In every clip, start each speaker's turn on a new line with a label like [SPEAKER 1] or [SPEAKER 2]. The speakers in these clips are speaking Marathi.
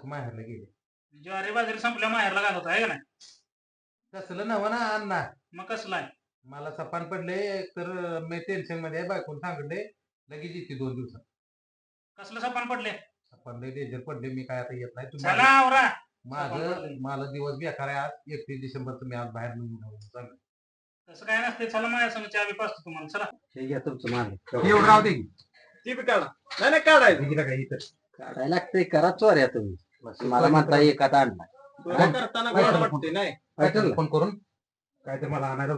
[SPEAKER 1] माहेरला गेले.
[SPEAKER 2] ज्वारी बाजरी संपल्या माहेरला घालत आहे का नाही?
[SPEAKER 1] तसलं नव्ह ना अण्णा.
[SPEAKER 2] मग कसलं आहे?
[SPEAKER 1] मला सपान पडले तर मी टेन्शन मध्ये आहे. बायकोन सांगितले लगेच येते 2 दिवसात.
[SPEAKER 2] कसलं सपान पडले?
[SPEAKER 1] सपान लय डेंजर पडले. मी काय आता येत नाही.
[SPEAKER 2] चला
[SPEAKER 1] तुम्हाला
[SPEAKER 2] आवरा.
[SPEAKER 1] माझं मला दिवस बेकार आहे आज. 31 डिसेंबरचं मी आज बाहेर निघून चाललो.
[SPEAKER 2] तसं काय नसते. चला माझ्या संग चहा बी पाचतो तुम्हाला. चला
[SPEAKER 1] हे घ्या तुमचं माल. एवढं राहू दे की.
[SPEAKER 3] ती बी काढा. नाही नाही काढायचं.
[SPEAKER 1] तिला काय इथं
[SPEAKER 4] काढायला लागतंय करा चोऱ्या तुम्ही मला म्हणता एखादा आणला
[SPEAKER 3] चोऱ्या करताना गोड वाटते नाही.
[SPEAKER 1] काय फोन करून काय तर मला आणायला.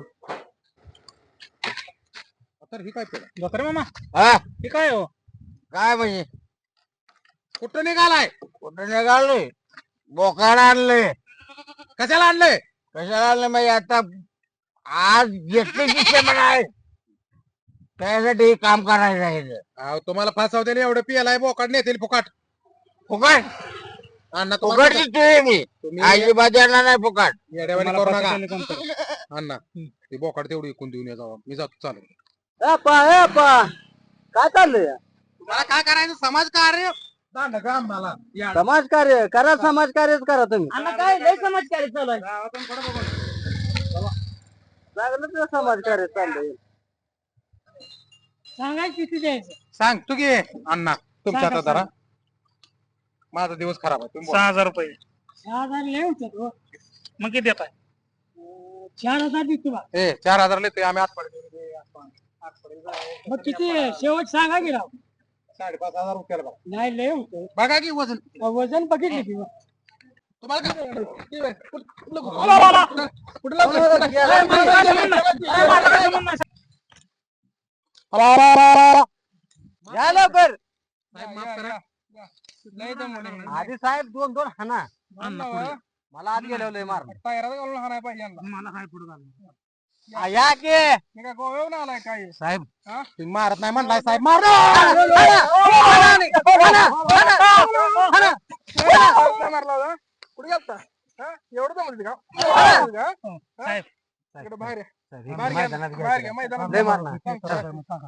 [SPEAKER 1] तर ही काय पेला
[SPEAKER 2] डॉक्टर मामा
[SPEAKER 4] हा
[SPEAKER 2] हे काय हो?
[SPEAKER 4] काय म्हणजे
[SPEAKER 1] कुठं निघालाय?
[SPEAKER 4] कुठं निघालोय बोकाड आणले
[SPEAKER 1] कशाला आणलंय?
[SPEAKER 4] कशाला आणलं म्हणजे आता आज घेतली डिसेंबर आहे त्यासाठी काम करायचं आहे इथं.
[SPEAKER 1] अहो तुम्हाला फासावते एवढं पियालाय बोकाड नेतील फुकाट.
[SPEAKER 4] फुकट
[SPEAKER 1] अण्णा
[SPEAKER 4] फुकट
[SPEAKER 1] तुम्हाला
[SPEAKER 4] दिसतोय मी
[SPEAKER 1] तुम्ही
[SPEAKER 4] अजिबात येणार नाही फुकट
[SPEAKER 1] येड्यावानी करू नका
[SPEAKER 2] फसवलेलं काम करा.
[SPEAKER 1] अण्णा. ते बोकाड तेवढी इकून देऊन या जावा. मी जातो चालू.
[SPEAKER 4] काय चाललंय
[SPEAKER 1] तुम्हाला काय करायचं समाजकार्य मला
[SPEAKER 4] समाजकार्य करा समाजकार्यच करा तुम्ही
[SPEAKER 2] अण्णा काय लय समाजकारी चालू आहे.
[SPEAKER 4] चांगलं समाजकार्य चाललंय
[SPEAKER 2] सांगाय किती द्यायचं?
[SPEAKER 1] सांगतो की अण्णा तुमच्या
[SPEAKER 2] सांगा,
[SPEAKER 1] आता जरा माझा दिवस खराब आहे. तुम्ही बोला.
[SPEAKER 2] 6,000 रुपये. 6,000 लय होतात हो. मग किती देताय? 4,000 देतो बा.
[SPEAKER 1] 4,000 लेतोय आम्ही आठ पडे.
[SPEAKER 2] मग किती शेवट सांगा की राव.
[SPEAKER 1] 5,500 रुपयाला बघा.
[SPEAKER 2] नाही लय होतं.
[SPEAKER 1] बघा की वजन
[SPEAKER 2] वजन बघितलं की.
[SPEAKER 1] तुम्हाला काय
[SPEAKER 4] या लवकर
[SPEAKER 1] माफ करा.
[SPEAKER 4] आधी साहेब 2-2 हाना मला आत गेलो लय मार
[SPEAKER 2] मला काय पुढे घालून.
[SPEAKER 4] या की
[SPEAKER 1] साहेब तुम्ही मारत नाही म्हणलाय साहेब. मार
[SPEAKER 2] साहेब
[SPEAKER 4] लय मारणार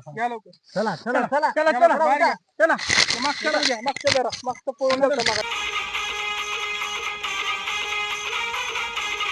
[SPEAKER 2] चला चला चला चला चला चला